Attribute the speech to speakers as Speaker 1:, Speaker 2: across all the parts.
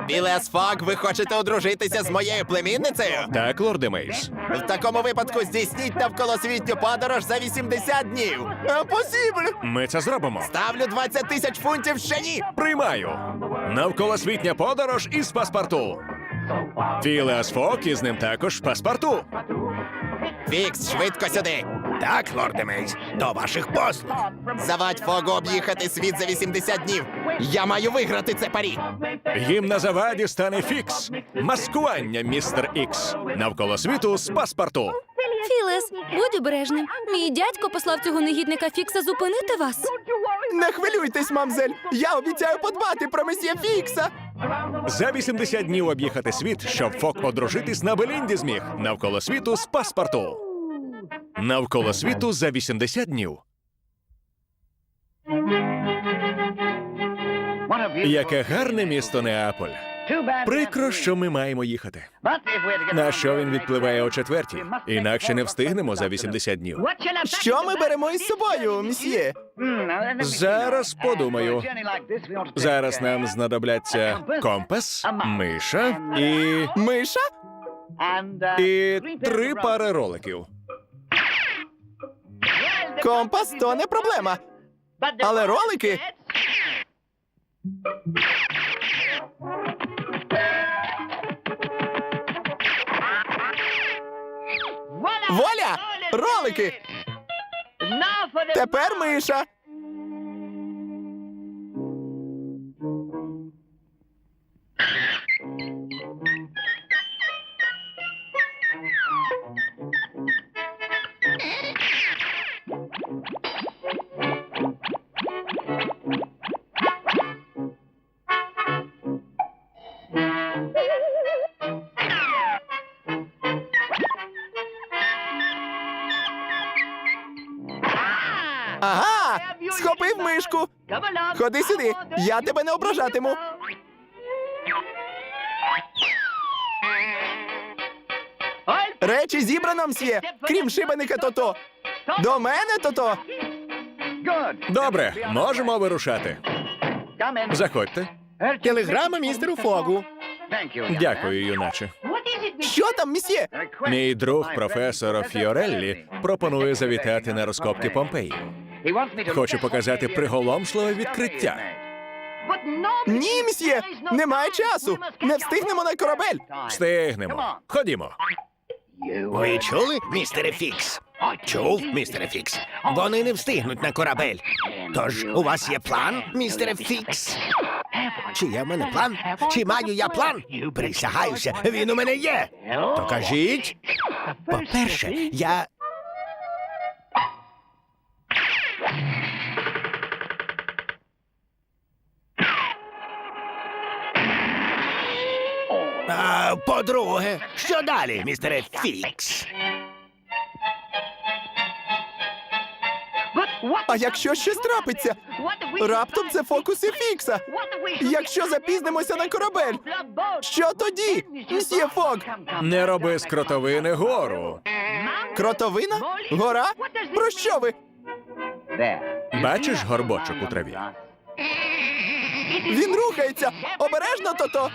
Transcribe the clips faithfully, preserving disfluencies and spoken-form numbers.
Speaker 1: Філеас Фог, ви хочете одружитися з моєю племінницею?
Speaker 2: Так, лорде Мейс.
Speaker 1: В такому випадку здійсніть навколосвітню подорож за вісімдесят днів. Impossible!
Speaker 2: Ми це зробимо.
Speaker 1: Ставлю двадцять тисяч фунтів ще ні!
Speaker 2: Приймаю. Навколосвітня подорож із паспорту. Філеас Фог із ним також паспорту.
Speaker 1: Фікс, швидко сюди!
Speaker 3: Так, лорде Мейс, до ваших послуг.
Speaker 1: Завадь Фогу об'їхати світ за вісімдесят днів. Я маю виграти це парі.
Speaker 2: Їм на заваді стане Фікс. Маскування, містер Ікс. Навколо світу з паспорту.
Speaker 4: Філес, будь обережним. Мій дядько послав цього негідника Фікса зупинити вас.
Speaker 1: Не хвилюйтесь, мамзель. Я обіцяю подбати про месьє Фікса.
Speaker 2: За вісімдесят днів об'їхати світ, щоб Фок одружитись на Белінді зміг. Навколо світу з паспорту. Навколо світу за вісімдесят днів. Яке гарне місто Неаполь. Прикро, що ми маємо їхати. На що він відпливає о четвертій? Інакше не встигнемо за вісімдесят днів.
Speaker 1: Що ми беремо із собою, мсьє?
Speaker 2: Зараз подумаю. Зараз нам знадобляться компас, миша і...
Speaker 1: Миша?
Speaker 2: і три пари роликів.
Speaker 1: Компас то не проблема. Але ролики? Воля! Ролики! Тепер миша. Ага! Схопив мишку. Ходи сюди, я тебе не ображатиму. Речі зібрано, мсьє, крім шибеника Тото. До мене, Тото.
Speaker 2: Добре, можемо вирушати. Заходьте.
Speaker 3: Телеграма містеру Фогу.
Speaker 2: Дякую, юначе.
Speaker 1: Що там, мсьє?
Speaker 2: Мій друг, професор Фіореллі, пропонує завітати на розкопки Помпеї. Хочу показати приголомшливе відкриття.
Speaker 1: Ні, мсьє, немає часу. Не встигнемо на корабель.
Speaker 2: Встигнемо. Ходімо.
Speaker 3: Ви чули, містере Фікс? Чув, містере Фікс. Вони не встигнуть на корабель. Тож у вас є план, містере Фікс? Чи є в мене план? Чи маю я план? Присягаюся, він у мене є. То кажіть. По-перше, я... А, по-друге, що далі, містере Фікс?
Speaker 1: А якщо щось трапиться? Раптом це фокуси Фікса. Якщо запізнимося на корабель, що тоді, мсьє Фог?
Speaker 2: Не роби з кротовини гору.
Speaker 1: Кротовина? Гора? Про що ви?
Speaker 2: Бачиш горбочок у траві?
Speaker 1: Він рухається. Обережно, Тото.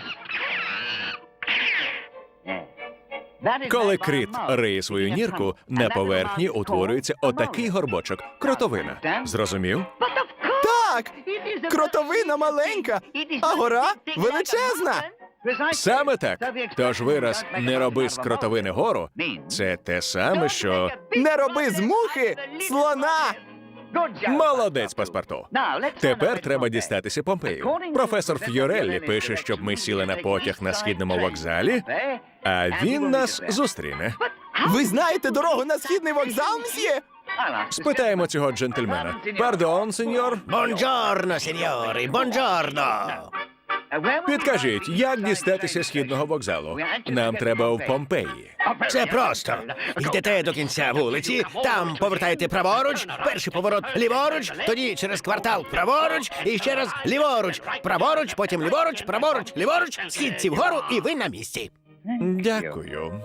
Speaker 2: Коли кріт риє свою нірку, на поверхні утворюється отакий горбочок – кротовина. Зрозумів?
Speaker 1: Так, кротовина маленька, а гора величезна.
Speaker 2: Саме так. Тож вираз «не роби з кротовини гору» – це те саме, що
Speaker 1: Не роби з мухи слона.
Speaker 2: молодець, паспорту. Тепер треба дістатися Помпею. Професор Фіореллі пише, щоб ми сіли на потяг на східному вокзалі, а він нас зустріне.
Speaker 1: Ви знаєте дорогу на східний вокзал, мсьє?
Speaker 2: Спитаємо цього джентльмена. Пардон, сеньор.
Speaker 3: Бонджорно, сеньори, бонджорно.
Speaker 2: Підкажіть, як дістатися східного вокзалу? Нам треба в Помпеї.
Speaker 3: Це просто. Йдете до кінця вулиці, там повертаєте праворуч, перший поворот ліворуч, тоді через квартал праворуч, і ще раз ліворуч, праворуч, потім ліворуч, праворуч, ліворуч, східці вгору, і ви на місці.
Speaker 2: Дякую.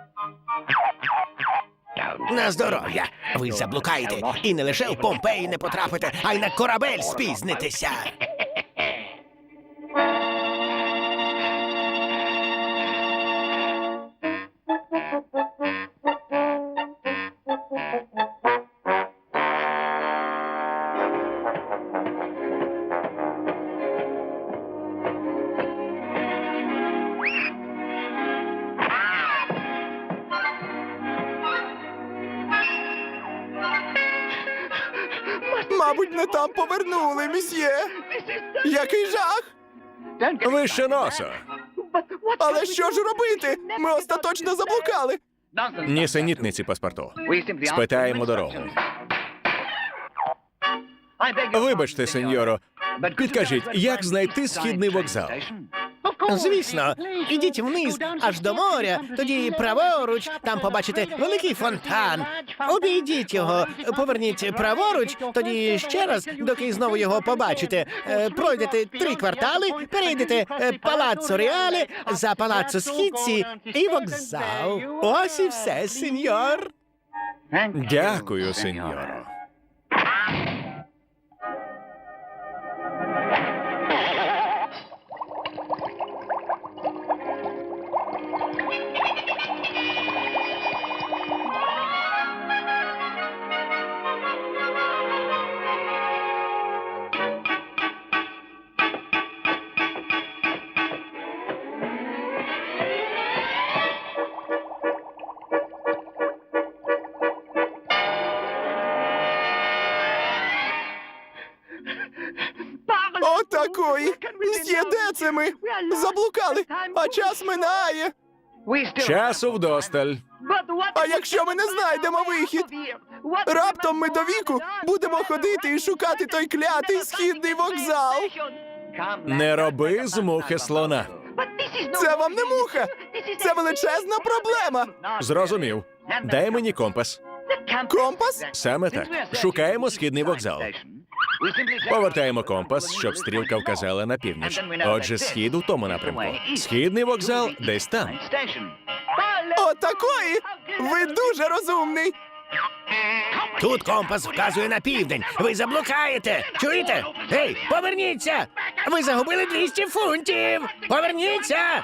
Speaker 3: На здоров'я. Ви заблукаєте, і не лише в Помпеї не потрапите, а й на корабель спізнитеся.
Speaker 1: Мабуть, не там повернули, місьє. Який жах!
Speaker 2: Вище носа.
Speaker 1: Але що ж робити? Ми остаточно заблукали.
Speaker 2: Нісенітниці, паспорту. Спитаємо дорогу. Вибачте, сеньоро. Підкажіть, як знайти східний вокзал?
Speaker 3: Звісно, ідіть вниз аж до моря, тоді праворуч, там побачите великий фонтан. Обійдіть його, поверніть праворуч, тоді ще раз, доки знову його побачите. Е, Пройдете три квартали, перейдете е, Палаццо Реале, за Палаццо Східці і вокзал. Ось і все, сеньор.
Speaker 2: Дякую, сеньоро.
Speaker 1: Отакої! Мсьє, де це ми? Заблукали, а час минає.
Speaker 2: Часу вдосталь.
Speaker 1: А якщо ми не знайдемо вихід? Раптом ми до віку будемо ходити і шукати той клятий східний вокзал.
Speaker 2: Не роби з мухи слона.
Speaker 1: Це вам не муха! Це величезна проблема!
Speaker 2: Зрозумів. Дай мені компас.
Speaker 1: Компас?
Speaker 2: Саме так. Шукаємо східний вокзал. Повертаємо компас, щоб стрілка вказала на північ. Отже, схід у тому напрямку. Східний вокзал десь там.
Speaker 1: Отакої! Ви дуже розумний!
Speaker 3: Тут компас вказує на південь. Ви заблукаєте. Чуєте? Гей, поверніться! Ви загубили двісті фунтів! Поверніться!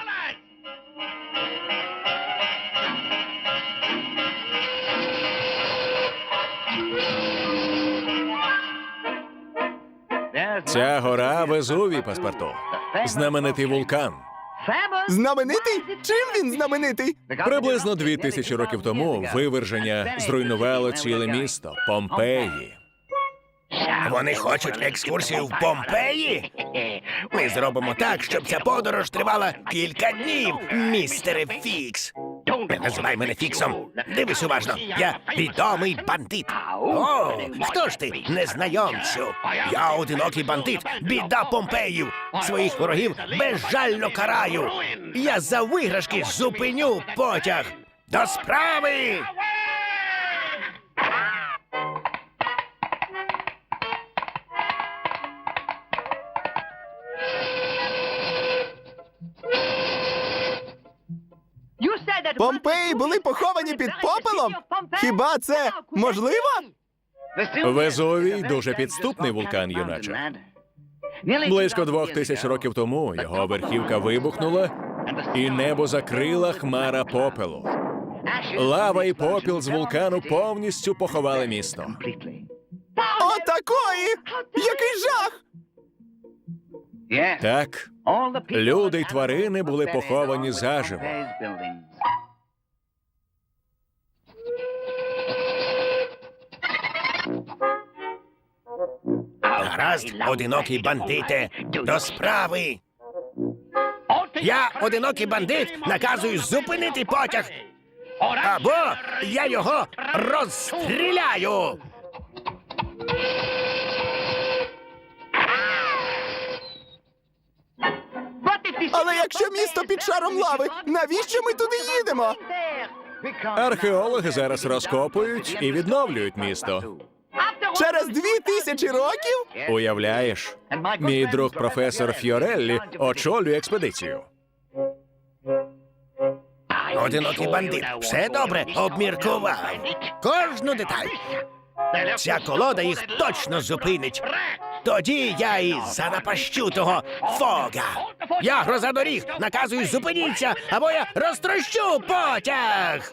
Speaker 2: Ця гора Везувій, паспорту. Знаменитий вулкан.
Speaker 1: Знаменитий? Чим він знаменитий?
Speaker 2: Приблизно дві тисячі років тому виверження зруйнувало ціле місто – Помпеї.
Speaker 3: Вони хочуть екскурсію в Помпеї? Ми зробимо так, щоб ця подорож тривала кілька днів, містере Фікс. Не називай мене Фіксом. Дивись уважно. Я відомий бандит. О, хто ж ти, незнайомцю? Я одинокий бандит, біда Помпеїв. Своїх ворогів безжально караю. Я за виграшки зупиню потяг. До справи!
Speaker 1: Помпеї були поховані під попелом? Хіба це можливо?
Speaker 2: Везувій – дуже підступний вулкан, юначе. Близько двох тисяч років тому його верхівка вибухнула, і небо закрила хмара попелу. Лава і попіл з вулкану повністю поховали місто.
Speaker 1: Отакої! Який жах!
Speaker 2: Так, люди й тварини були поховані заживо.
Speaker 3: Гаразд, одинокий бандите, до справи. Я, одинокий бандит, наказую зупинити потяг. Або я його розстріляю.
Speaker 1: Але якщо місто під шаром лави, навіщо ми туди їдемо?
Speaker 2: Археологи зараз розкопують і відновлюють місто.
Speaker 1: Через дві тисячі років?
Speaker 2: Уявляєш? Мій друг професор Фьореллі очолює експедицію.
Speaker 3: Одинокий бандит все добре обміркував. Кожну деталь. Ця колода їх точно зупинить. Тоді я і занапащу того Фога. Я гроза доріг, наказую зупиніться, або я розтрощу потяг.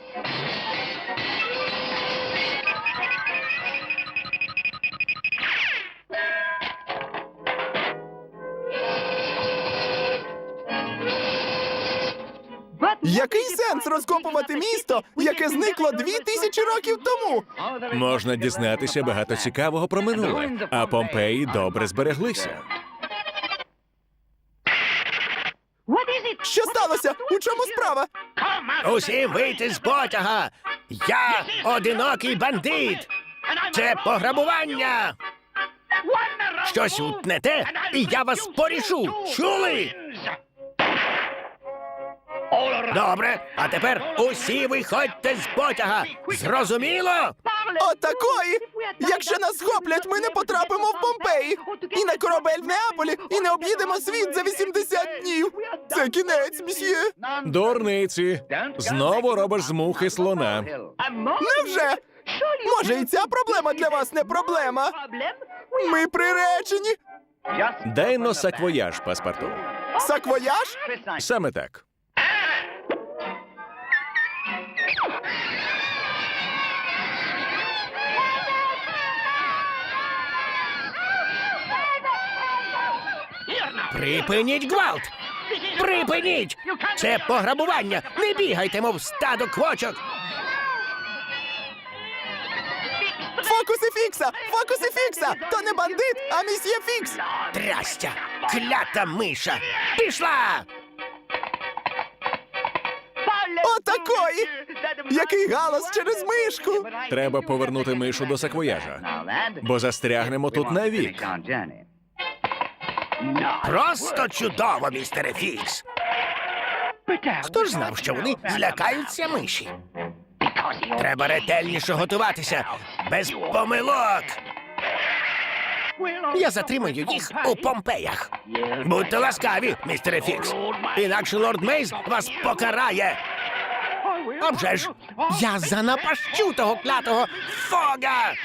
Speaker 1: Який сенс розкопувати місто, яке зникло дві тисячі років тому?
Speaker 2: Можна дізнатися багато цікавого про минуле, а Помпеї добре збереглися.
Speaker 1: Що сталося? У чому справа?
Speaker 3: Усім вийти з потяга! Я одинокий бандит! Це пограбування! Щось утнете, і я вас порішу! Чули? Добре, а тепер усі виходьте з потяга! Зрозуміло?
Speaker 1: Отакої! Якщо нас схоплять, ми не потрапимо в Помпеї! І на корабель в Неаполі, і не об'їдемо світ за вісімдесят днів! Це кінець, мсьє!
Speaker 2: Дурниці! Знову робиш з мухи слона.
Speaker 1: Невже? Може, і ця проблема для вас не проблема? Ми приречені!
Speaker 2: Дай но саквояж, паспорту.
Speaker 1: Саквояж?
Speaker 2: Саме так.
Speaker 3: Припиніть гвалт! Припиніть! Це пограбування! Не бігайте, мов стадо квочок!
Speaker 1: Фокуси Фікса! Фокуси Фікса! То не бандит, а місьє Фікс!
Speaker 3: Трястя! Клята миша! Пішла!
Speaker 1: Отакої! Який галас через мишку!
Speaker 2: Треба повернути мишу до саквояжа, бо застрягнемо тут навік.
Speaker 3: Просто чудово, містере Фікс! Хто ж знав, що вони злякаються миші? Треба ретельніше готуватися, без помилок! Я затримаю їх у Помпеях. Будьте ласкаві, містере Фікс, інакше лорд Мейз вас покарає. А вже ж, я занапащу того клятого Фога!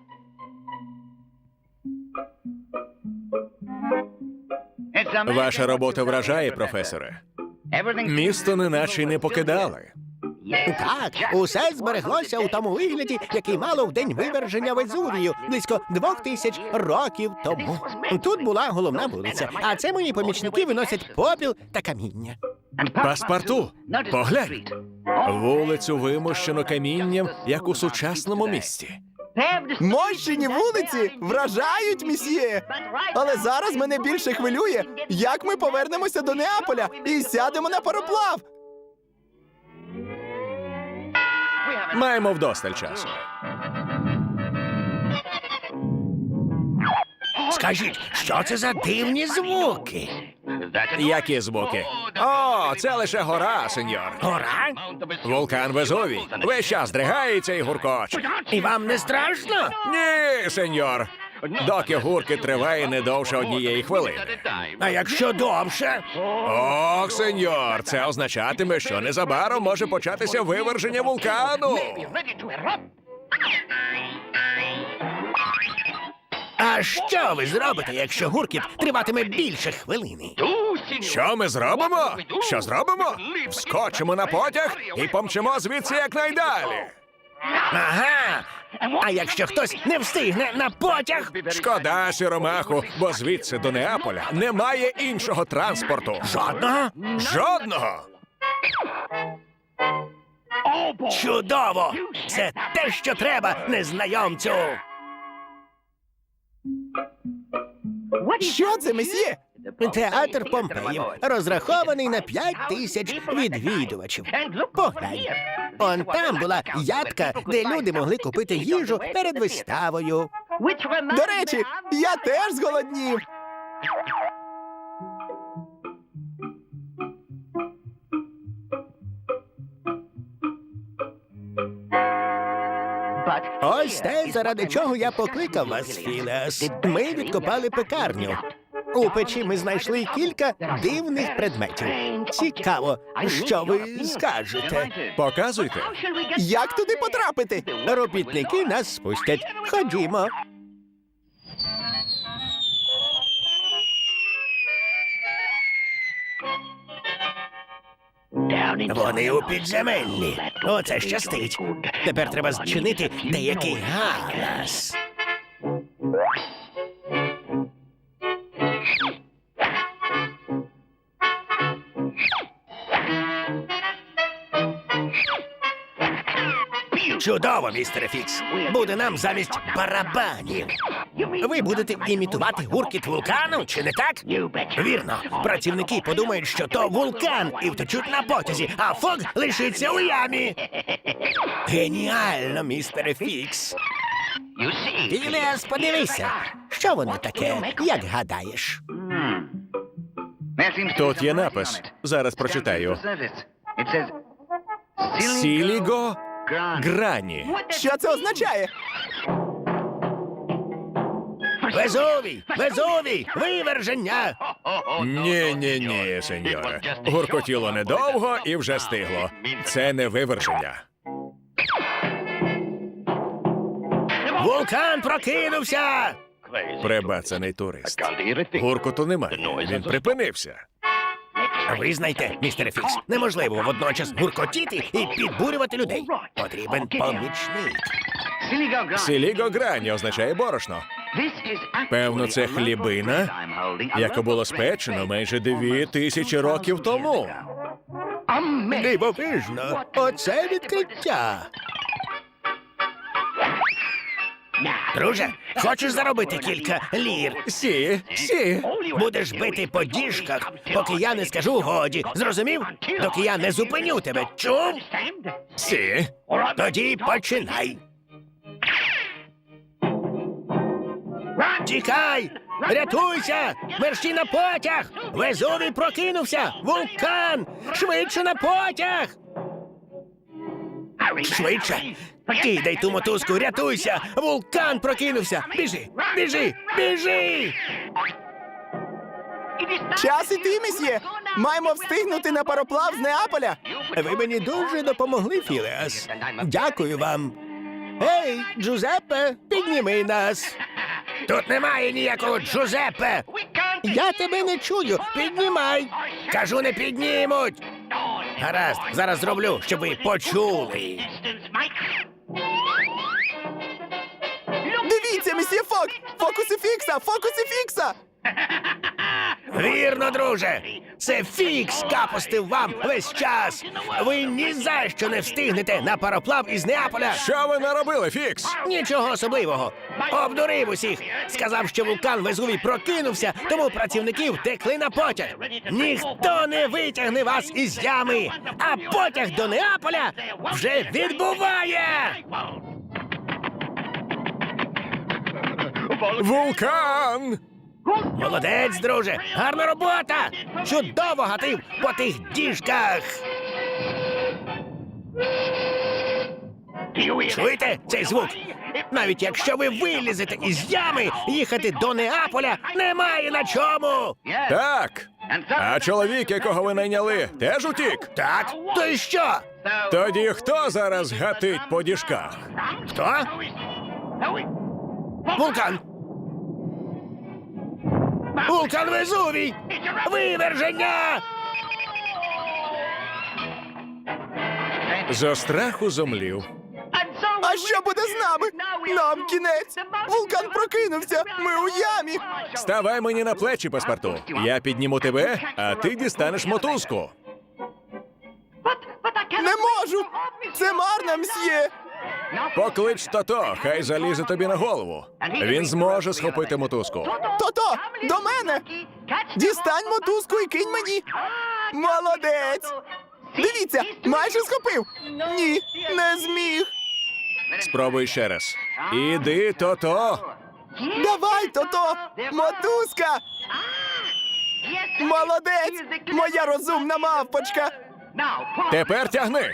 Speaker 2: Ваша робота вражає, професоре. Місто неначе й не покидали.
Speaker 3: Так, усе збереглося у тому вигляді, який мало в день виверження Везувію, близько двох тисяч років тому. Тут була головна вулиця, а це мої помічники виносять попіл та каміння.
Speaker 2: Паспорту, поглянь. Вулицю вимощено камінням, як у сучасному місті.
Speaker 1: Мощені вулиці вражають, місьє! Але зараз мене більше хвилює, як ми повернемося до Неаполя і сядемо на пароплав!
Speaker 2: Маємо вдосталь часу.
Speaker 3: Скажіть, що це за дивні звуки?
Speaker 2: Які звуки? О, це лише гора, сеньор.
Speaker 3: Гора?
Speaker 2: Вулкан Везувій. Весь час здригається і гуркоче.
Speaker 3: І вам не страшно?
Speaker 2: Ні, сеньор. Доки гурки триває не довше однієї хвилини.
Speaker 3: А якщо довше?
Speaker 2: Ох, сеньор, це означатиме, що незабаром може початися виверження вулкану.
Speaker 3: А що ви зробите, якщо гуркіт триватиме більше хвилини?
Speaker 2: Що ми зробимо? Що зробимо? Вскочимо на потяг і помчимо звідси якнайдалі.
Speaker 3: Ага! А якщо хтось не встигне на потяг?
Speaker 2: Шкода, сіромаху, бо звідси до Неаполя немає іншого транспорту.
Speaker 3: Жодного?
Speaker 2: Жодного!
Speaker 3: Чудово! Це те, що треба, незнайомцю!
Speaker 1: Що це, месьє?
Speaker 3: Театр Помпеїв розрахований на п'ять тисяч відвідувачів. Поглянь. Он там була ядка, де люди могли купити їжу перед виставою.
Speaker 1: До речі, я теж зголоднів.
Speaker 3: Ось те, заради чого я покликав вас, Філеас. Ми відкопали пекарню. У печі ми знайшли кілька дивних предметів. Цікаво, що ви скажете?
Speaker 2: Показуйте.
Speaker 1: Як туди потрапити?
Speaker 3: Робітники нас спустять. Ходімо. Вони у підземеллі. Оце щастить. Тепер треба зчинити деякий галас. Чудово, містере Фікс. Буде нам замість барабанів. Ви будете імітувати гуркіт вулкану, чи не так? Вірно. Працівники подумають, що то вулкан, і втечуть на потязі, а Фог лишиться у ямі. Геніально, містере Фікс. Філіас, подивися. Що воно таке, як гадаєш?
Speaker 2: Тут є напис. Зараз прочитаю. Сіліго Грані.
Speaker 1: Що це означає?
Speaker 3: Везувій! Везувій! Виверження!
Speaker 2: Ні-ні-ні, сеньоре. Гуркотіло недовго і вже стигло. Це не виверження.
Speaker 3: Вулкан прокинувся!
Speaker 2: Прибацаний турист. Гуркоту немає. Він припинився.
Speaker 3: Визнайте, містере Фікс, неможливо водночас гуркотіти і підбурювати людей. Потрібен помічник.
Speaker 2: Сіліго Грані означає борошно. Певно, це хлібина, яку було спечено майже дві тисячі років тому.
Speaker 3: Дивовижно! Оце відкриття! Друже, хочеш заробити кілька лір?
Speaker 2: Сі, сі.
Speaker 3: Будеш бити по діжках, поки я не скажу годі. Зрозумів? Доки я не зупиню тебе. Чув?
Speaker 2: Сі.
Speaker 3: Тоді починай. Тікай! Рятуйся! Мерщій на потяг! Везувій прокинувся! Вулкан! Швидше на потяг! Швидше! Кидай ту мотузку, рятуйся! Вулкан прокинувся! Біжи! Біжи! Біжи!
Speaker 1: Час іти, месьє. Маємо встигнути на пароплав з Неаполя.
Speaker 3: Ви мені дуже допомогли, Філеас. Дякую вам. Ей, Джузеппе, підніми нас. Тут немає ніякого Джузеппе. Я тебе не чую. Піднімай. Кажу, не піднімуть. Гаразд, зараз зроблю, щоб ви почули.
Speaker 1: Дивіться, месьє Фок! Фокуси Фікса! Фокуси Фікса!
Speaker 3: Вірно, друже. Це Фікс капостив вам весь час. Ви ні за що не встигнете на пароплав із Неаполя.
Speaker 2: Що ви наробили, Фікс?
Speaker 3: Нічого особливого. Обдурив усіх. Сказав, що вулкан Везувій прокинувся, тому працівники втекли на потяг. Ніхто не витягне вас із ями, а потяг до Неаполя вже відбуває.
Speaker 2: Вулкан!
Speaker 3: Молодець, друже. Гарна робота. Чудово гатив по тих діжках. Чуєте цей звук? Навіть якщо ви вилізете із ями, їхати до Неаполя немає на чому.
Speaker 2: Так. А чоловік, якого ви найняли, теж утік?
Speaker 3: Так, то й що?
Speaker 2: Тоді хто зараз гатить по діжках?
Speaker 3: Хто? Вулкан. Вулкан Везувій! Виверження!
Speaker 2: Зо страху зомлів.
Speaker 1: А що буде з нами? Нам кінець! Вулкан прокинувся! Ми у ямі!
Speaker 2: Ставай мені на плечі, паспорту. Я підніму тебе, а ти дістанеш мотузку.
Speaker 1: Не можу! Це марно, мсьє!
Speaker 2: Поклич Тото, хай залізе тобі на голову. Він зможе схопити мотузку.
Speaker 1: Тото, до мене! Дістань мотузку і кинь мені! Молодець! Дивіться, майже схопив! Ні, не зміг!
Speaker 2: Спробуй ще раз. Іди, Тото.
Speaker 1: Давай, Тото! Мотузка! Молодець! Моя розумна мавпочка!
Speaker 2: Тепер тягни.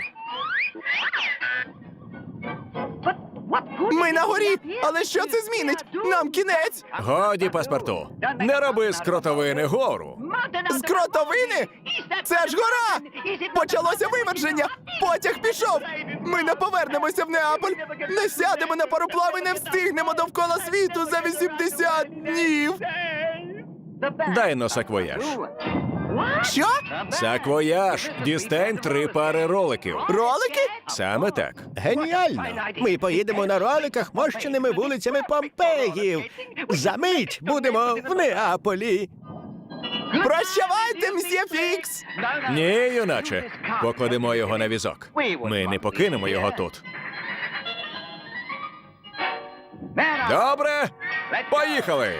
Speaker 1: Ми на горі! Але що це змінить? Нам кінець!
Speaker 2: Годі, паспорту. Не роби з кротовини гору.
Speaker 1: З кротовини? Це ж гора! Почалося виверження! Потяг пішов! Ми не повернемося в Неаполь! Не сядемо на пароплав і не встигнемо довкола світу за вісімдесят днів!
Speaker 2: Дай но саквояж.
Speaker 1: Що?
Speaker 2: Саквояж. Дістань три пари роликів.
Speaker 1: Ролики?
Speaker 2: Саме так.
Speaker 3: Геніально! Ми поїдемо на роликах мощеними вулицями Помпеїв. За мить будемо в Неаполі.
Speaker 1: Прощавайте, мсьє Фікс!
Speaker 2: Ні, юначе. Покладемо його на візок. Ми не покинемо його тут. Добре, поїхали!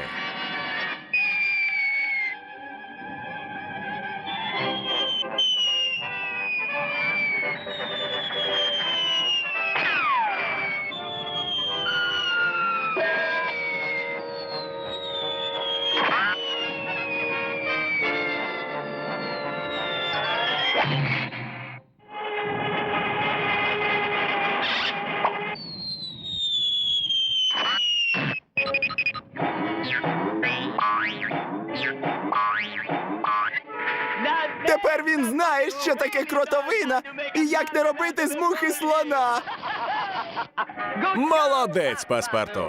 Speaker 1: Тепер він знає, що таке кротовина і як не робити з мухи слона.
Speaker 2: Молодець, паспорту!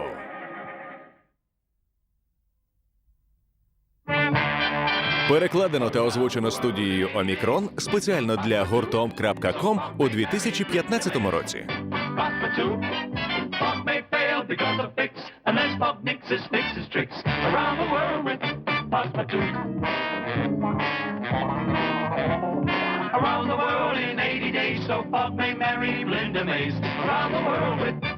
Speaker 2: Перекладено та озвучено студією Омікрон спеціально для гуртом крапка ком у дві тисячі п'ятнадцятому році.
Speaker 5: Papa two. Pop may fail because of fix, unless Pop nixes, fixes tricks around the world with Papa two. Around the world in eighty days, so Pop may marry Linda Mays. Around the world with